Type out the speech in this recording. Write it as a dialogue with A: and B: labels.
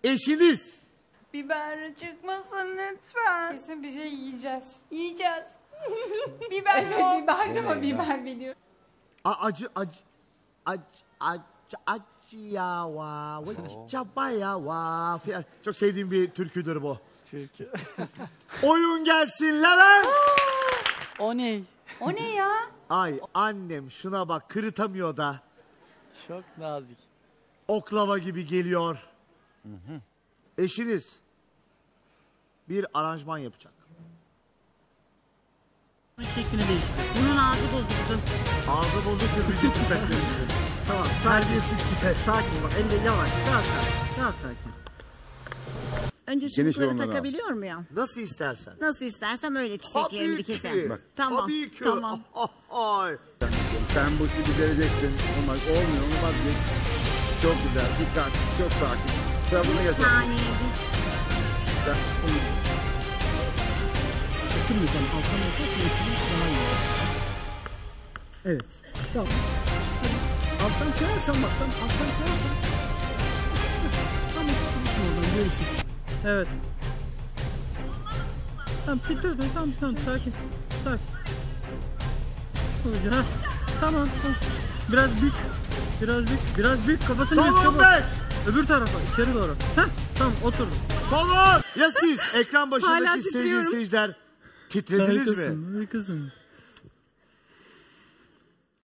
A: Eşiniz.
B: Biber çıkmasın lütfen.
C: Kesin bir şey yiyeceğiz.
B: Yiyeceğiz. Biber yok.
C: Biber de mi? Biber biliyor.
A: Acı ya va. Çabaya va. Çok sevdiğim bir türküdür bu.
D: Türkü.
A: Oyun gelsin Levent.
D: O ne?
B: O ne ya?
A: Ay annem şuna bak, kırıtamıyor da.
D: Çok nazik.
A: Oklava gibi geliyor. Eşiniz bir aranjman yapacak.
D: Şeklini değiştir.
E: Bunun ağzı bozuldu.
A: Ağzı bozuk müzik tüfeklerimizi.
F: Tamam. Terbiyesiz tipe. Sakin ol. Elle yavaş. Daha sakin. Daha sakin. Önce çubukları takabiliyor muyum?
A: Nasıl istersen.
F: Nasıl istersem öyle çiçeklerimi dikeceğim.
A: Bak,
F: Tamam.
A: tabii ki.
F: Tamam.
A: Ay.
G: Sen bu işi becereceksin. Olmaz. Olmuyor. Onu vazgeç. Çok güzel. Dikkat. Çok sakin. Sıra bunu
F: Bir
G: geçelim.
F: saniye.
H: Oturmayacağım. Alttan yaparsan daha iyi. Evet. Tamam. Alttan koyarsan bak. Alttan koyarsan. Tamam. Oradan görürsün.
D: Evet. Tamam, tamam, sakin. Sakin. Olacak. Tamam. Biraz büyük. Kafasını
A: Son
D: büyük, çabuk.
A: 15.
D: Öbür tarafa, içeri doğru. Tamam, oturdum.
A: Son 10. Ya siz ekran başındaki sevgili seyirciler titrediniz mi?
D: Harikasın.